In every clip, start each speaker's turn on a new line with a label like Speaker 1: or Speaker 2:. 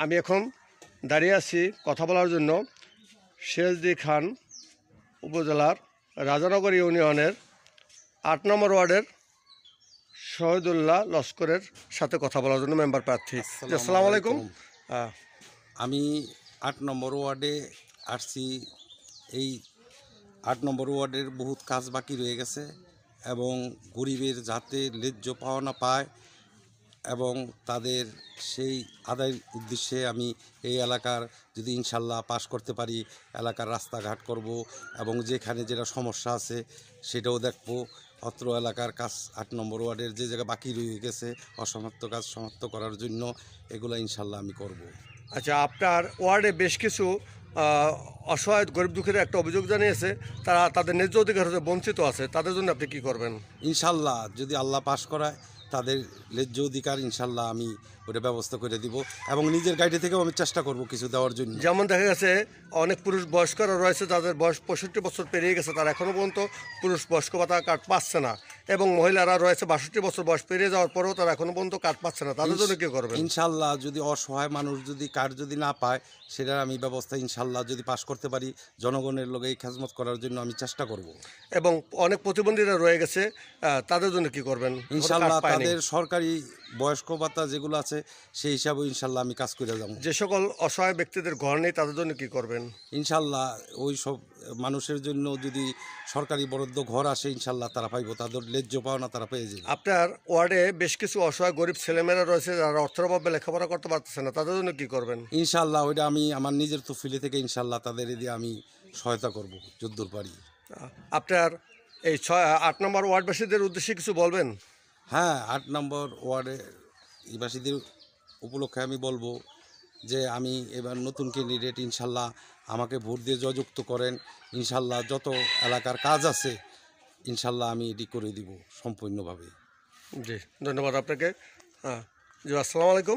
Speaker 1: আমি এখন দাঁড়িয়ে আছি কথা বলার জন্য শেরজি খান উপজেলার রাজানগর ইউনিয়নের ৮ নম্বর ওয়ার্ডের শহীদুল্লাহ লস্করের সাথে কথা বলার জন্য মেম্বার প্রার্থী। আসসালামু আলাইকুম।
Speaker 2: আমি ৮ নম্বর ওয়ার্ডে আসছি। এই ৮ নম্বর ওয়ার্ডের বহুত কাজ বাকি রয়ে গেছে এবং গরিবের যাতে ন্যায্য পাওনা পায় এবং তাদের সেই আদায়ের উদ্দেশ্যে আমি এই এলাকার যদি ইনশাল্লাহ পাশ করতে পারি, এলাকার রাস্তাঘাট করব এবং যেখানে যেটা সমস্যা আছে সেটাও দেখব। অত্র এলাকার কাজ ৮ নম্বর ওয়ার্ডের যে জায়গা বাকি রয়ে গেছে অসমাপ্ত কাজ সমাপ্ত করার জন্য এগুলো ইনশাল্লাহ আমি করব।
Speaker 1: আচ্ছা, আপনার ওয়ার্ডে বেশ কিছু অসহায় গরিব দুঃখীর একটা অভিযোগ জানিয়েছে, তারা তাদের ন্যায্য অধিকার হতে বঞ্চিত আছে, তাদের জন্য আপনি কি করবেন?
Speaker 2: ইনশাল্লাহ যদি আল্লাহ পাশ করায় তাদের ন্যায্য অধিকার ইনশাল্লাহ আমি ওটা ব্যবস্থা করে দিব এবং নিজের গাড়ি থেকেও আমি চেষ্টা করব কিছু দেওয়ার জন্য।
Speaker 1: যেমন দেখা গেছে অনেক পুরুষ বয়স্করা রয়েছে যাদের বয়স ৬৫ বছর পেরিয়ে গেছে, তারা এখনও পর্যন্ত পুরুষ বয়স্ক ভাতা কার্ড পাচ্ছে না, এবং মহিলারা রয়েছে ৬২ বছর বয়স পেরিয়ে যাওয়ার পরেও তারা এখনও পর্যন্ত কার্ড পাচ্ছে না, তাদের জন্য কী করবেন?
Speaker 2: ইনশাল্লাহ যদি অসহায় মানুষ যদি কার্ড যদি না পায় সেটার আমি ব্যবস্থা ইনশাল্লাহ যদি পাশ করতে পারি জনগণের লোক এই খেজমত করার জন্য আমি চেষ্টা করব।
Speaker 1: এবং অনেক প্রতিবন্ধীরা রয়ে গেছে, তাদের জন্য কি করবেন?
Speaker 2: ইনশাল্লাহ তাদের সরকারি বয়স্ক ভাতা যেগুলো আছে সেই হিসাবে ইনশাল্লাহ আমি কাজ করে যাব।
Speaker 1: যে সকল অসহায় ব্যক্তিদের ঘর নেই তাদের জন্য কি করবেন?
Speaker 2: ইনশাল্লাহ ওই সব মানুষের জন্য যদি সরকারি বরাদ্দ ঘর আসে ইনশাল্লাহ তারা পাইব, তাদের ন্যায্য পাওনা তারা পেয়ে যাবে।
Speaker 1: আপনার ওয়ার্ডে বেশ কিছু অসহায় গরিব ছেলেমেয়েরা রয়েছে যারা অর্থের অভাবে লেখাপড়া করতে পারতেছে না, তাদের জন্য কি করবেন?
Speaker 2: ইনশাল্লাহ ওইটা আমি আমার নিজের তফিলি থেকে ইনশাল্লাহ তাদের দিয়ে আমি সহায়তা করব যদ্দূর পারি।
Speaker 1: আপনার এই ৮ নম্বর ওয়ার্ডবাসীদের উদ্দেশ্যে কিছু বলবেন?
Speaker 2: হ্যাঁ, ৮ নম্বর ওয়ার্ডের নিবাসীদের উপলক্ষে আমি বলবো যে আমি এবার নতুন ক্যান্ডিডেট, ইনশাল্লাহ আমাকে ভোট দিয়ে জয়যুক্ত করেন। ইনশাল্লাহ যত এলাকার কাজ আছে ইনশাল্লাহ আমি এটি করে দিব সম্পূর্ণভাবে।
Speaker 1: জি, ধন্যবাদ আপনাকে। জি, আসসালামু আলাইকুম।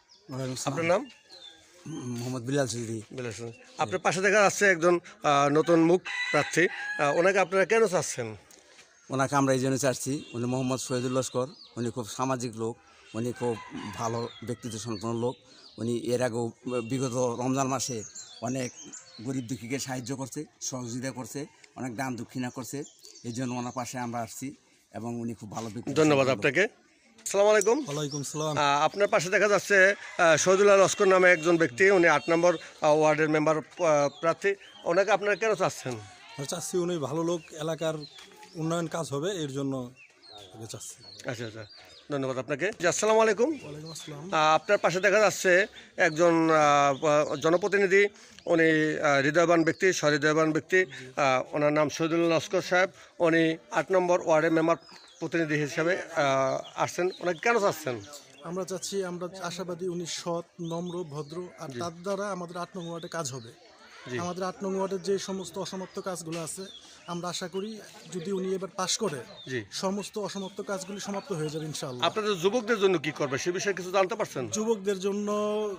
Speaker 1: আপনার নাম?
Speaker 3: মোহাম্মদ বিলাল চৌধুরী।
Speaker 1: বিলাল চৌধুরী। আপনার পাশে দেখা যাচ্ছে একজন নতুন মুখ প্রার্থী, ওনাকে আপনারা কেন চাচ্ছেন?
Speaker 3: ওনাকে আমরা এই জন্য চাচ্ছি, উনি মোহাম্মদ শহীদুল লস্কর, উনি খুব সামাজিক লোক, উনি খুব ভালো ব্যক্তিত্ব সম্পন্ন লোক। উনি এর আগেও বিগত রমজান মাসে অনেক গরিব দুঃখীকে সাহায্য করছে, সহযোগিতা করছে, অনেক দান দক্ষিণা করছে। এই জন্য ওনার পাশে আমরা আসছি এবং উনি খুব ভালো ব্যক্তি।
Speaker 1: ধন্যবাদ আপনাকে। আসসালামু আলাইকুম।
Speaker 4: ওয়ালাইকুম সালাম।
Speaker 1: আপনার পাশে দেখা যাচ্ছে শহীদুল্লাহ লস্কর নামে একজন ব্যক্তি, উনি ৮ নম্বর ওয়ার্ডের মেম্বার প্রার্থী, ওনাকে আপনারা কেন চাচ্ছেন?
Speaker 4: চাচ্ছি উনি ভালো লোক, এলাকার উন্নয়ন কাজ হবে এর জন্য চাচ্ছি।
Speaker 1: আচ্ছা আচ্ছা, ধন্যবাদ আপনাকে। জি, আসসালামু আলাইকুম।
Speaker 4: ওয়ালাইকুম আসসালাম।
Speaker 1: আপনার পাশে দেখা যাচ্ছে একজন জনপ্রতিনিধি, উনি হৃদয়বান ব্যক্তি, সহৃদয়বান ব্যক্তি, ওনার নাম শহীদুল্লাহ লস্কর সাহেব। উনি ৮ নম্বর ওয়ার্ডের মেম্বার প্রতিনিধি হিসাবে আসছেন, ওনাকে কেন চাচ্ছেন?
Speaker 4: আমরা চাচ্ছি, আমরা আশাবাদী উনি সৎ, নম্র, ভদ্র, আর তার দ্বারা আমাদের ৮ নং ওয়ার্ডে কাজ হবে। আমাদের ৮ নং ওয়ার্ডের যে সমস্ত অসমাপ্ত কাজগুলো আছে আমরা আশা করি যদি উনি এবার পাশ করে সমস্ত অসমাপ্ত কাজগুলি সমাপ্ত হয়ে যাবে ইনশাআল্লাহ।
Speaker 1: আপনাদের যুবকদের জন্য কি করবে সে বিষয়ে কিছু জানতে পারছেন?
Speaker 4: যুবকদের জন্য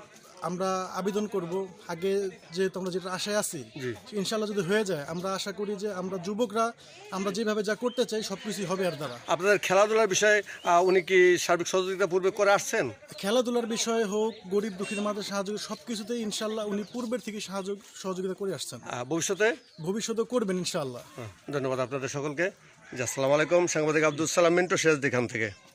Speaker 4: আমরা আবেদন করব, আগে যে আমরা যেটা আশায় আছি ইনশাআল্লাহ যদি হয়ে যায় আমরা আশা করি যে আমরা যুবকরা আমরা যেভাবে যা করতে চাই সব কিছুই হবে এর দ্বারা।
Speaker 1: আপনাদের খেলাধুলার বিষয়ে উনি কি সার্বিক সহযোগিতা পূর্বে করে আসছেন?
Speaker 4: খেলাধুলার বিষয়ে হোক, গরিব দুঃখীর মাঝে সাহায্য, সব কিছুতেই ইনশাআল্লাহ উনি পূর্বের থেকে সহযোগিতা করে আসছেন, ভবিষ্যতে করবেন ইনশাআল্লাহ।
Speaker 1: ধন্যবাদ আপনাদের সকলকে। আসসালামু আলাইকুম। সাংবাদিক আব্দুল সালাম মিন্টু, শেরজি খান থেকে।